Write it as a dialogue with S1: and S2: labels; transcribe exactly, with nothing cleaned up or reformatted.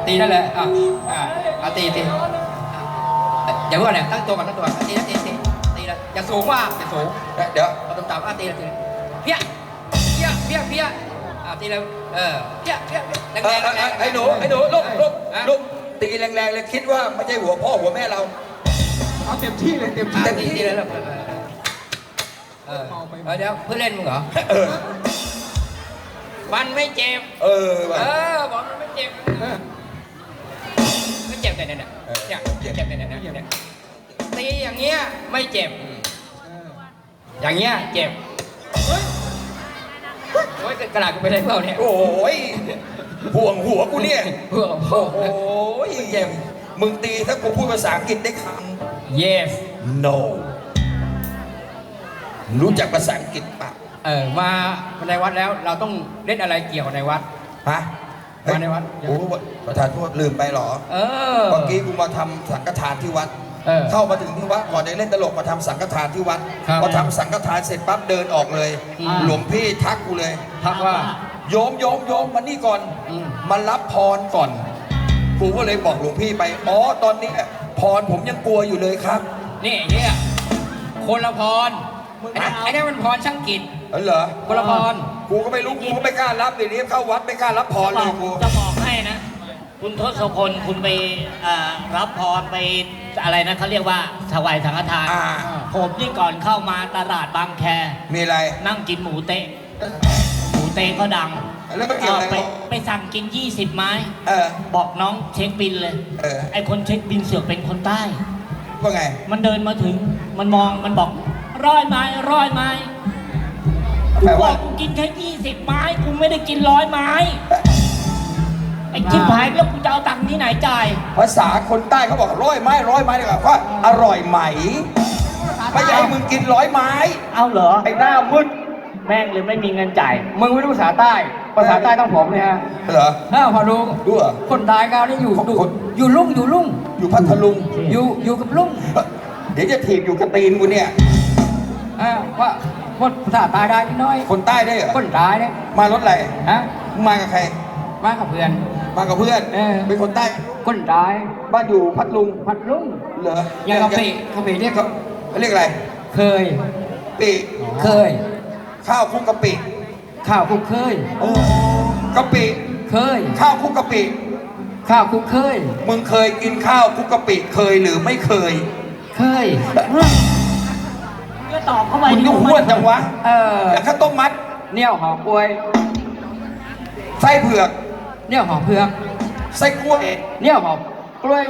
S1: ตีนั่นแหละอ่ะอ่ะอ่ะตีตีอย่าเพิ่งเนี่ยตั้งตัวก่อนตั้งตัวตีนะตีตีตีแล้วอย่าสูงว่าอย่าสูงเดี๋ยวเราต้องตามอ่ะตีตีเพี้ยเพี้ยเพี้ยเพี้ยอ่ะตีแล้วเออเพี้ยเพี้ยแรงแรงแรง
S2: ไอ้หนูไอ้หนูลุกลุกลุกตีแรงๆเลยคิดว่าไม่ใช่หัวพ่อหัวแม่เรา
S3: เอาเต็มที่เลยเต็มที่
S1: เต็มที่เลยแล้วเออเดี๋ยวเพื่อเล่นมึงเหรอมันไม่เจ็บ
S2: เออ
S1: เออบอกมันไม่เจ็บไม่เจ็บแต่เนี่ยเนี่ยเจ็บแต่เนี่ยเนี่ยตีอย่างเงี้ยไม่เจ็บอย่างเงี้ยเจ็บโอ้ยกระดาษกูไปได้เปล่าเนี่ย
S2: โอ้ยห่วงหัวกูเนี่ย
S1: ห่วงโอ้โห
S2: เจ็บมึงตีถ้ากูพูดภาษาอังกฤษได้ค
S1: ำ yes
S2: no รู้จักภาษาอังกฤษปะ
S1: เออมาในวัดแล้วเราต้องเล่นอะไรเกี่ยวในวัด
S2: ฮะ
S1: มาในวัด
S2: โอ้ประธานโทษลืมไปหรอ
S1: เออ
S2: เมื่อกี้กูมาทำสังฆทานที่วัดเข้ามาถึงที่วัดก่อนจะเล่นตลกมาทำสังฆทานที่วัดพอทำสังฆทานเสร็จปั๊บเดินออกเลยหลวงพี่ทักกูเลย
S1: ทักว่า
S2: โยมโยมโยมมานี่ก่อนมารับพรก่อนกูก็เลยบอกหลวงพี่ไปอ๋อตอนนี้พรผมยังกลัวอยู่เลยครับ
S1: นี่เนี่ยคนละพรไอ้นี่มันพรช่างกิจ
S2: เออเหรอ
S1: คนละพร
S2: กูก็ไม่รู้กูก็ไม่กล้ารับเดี๋ยวนี้เข้าวัดไม่กล้ารับพรเลยกู
S4: จะบอกให้นะคุณทศพลคุณไปรับพรไปอะไรนะเขาเรียกว่าถวายสังฆทานผมนี่ก่อนเข้ามาตลาดบางแค
S2: มีอะไร
S4: นั่งกินหมูเต๊ะหมูเต๊ะก็ดัง
S2: แล้วไปเกี่ยวอะไร
S4: ไปสั่งกินยี่สิบไม้
S2: เออ
S4: บอกน้องเช็คบินเลย
S2: เออ
S4: ไอคนเช็คบินเสือกเป็นคนใต้
S2: ว่าไง
S4: มันเดินมาถึงมันมองมันบอกร้อยไม้ร้อยไม้กูบอกกูกินแค่ยี่สิบไม้กูไม่ได้กินร้อยไม้ไอ้ชิบหายแล้วกูจะเอาตังค์ที่ไหนจ่าย
S2: ภาษาคนใต้เขาบอกร้อยไม้ร้อยไม้เลยว่าอร่อยไหมไม่ใช่มึงกินร้อยไม้
S4: เอาเหรอ
S2: ไอ้หน้ามึน
S4: แม่งเลยไม่มีเงินจ่าย
S1: มึงไม่รู้ภาษาใต้ภาษาใต้ต้องผมเนี่ยฮะ
S2: เหรอ
S1: ถ้าพอรู้
S2: รู้เหรอ
S1: คนตายก้าวนี่อยู่อยู่ลุ่งอยู่ลุ่ง
S2: อยู่พัทลุง
S1: อยู่อยู่กับลุ่ง
S2: เดี๋ยวจะถีบอยู่กระตีนกูเนี่ย
S1: อ่าว่าคนภาษาใต้ได้นิดน้อย
S2: คนใต้ได้เหรอ
S1: คนตายเนี่ย
S2: มารถอะไร
S1: ฮะ
S2: มากับใคร
S1: มากับเพื่อน
S2: มากับเพื่อนเป็นคนใต้
S1: คนตาย
S2: บ้านอยู่พัทลุง
S1: พัทลุง
S2: เหรอ
S1: ยังกะปิกะปิเรียกเขา
S2: เรียกอะไร
S1: เคย
S2: ปิ
S1: เคย
S2: ข้าวคลุกกะปิ
S1: ข้าวคลุกเคย
S2: โอ้กะปิ
S1: เคย
S2: ข้าวคลุกกะปิ
S1: ข้าวคลุกเคย
S2: มึงเคยกินข้าวคลุกกะปิเคยหรือไม่เคย
S1: เคย
S4: ก็ตอบเข้าไป
S2: มึงก็พูดจังวะ
S1: เออ
S2: แล้วข้าวต้มมัด
S1: เนี่ยหอมกล้วย
S2: ไส้เผือก
S1: เนี่ยหอมเผือก
S2: ไส้กล้วย
S1: เนี่ยหอมกล้วย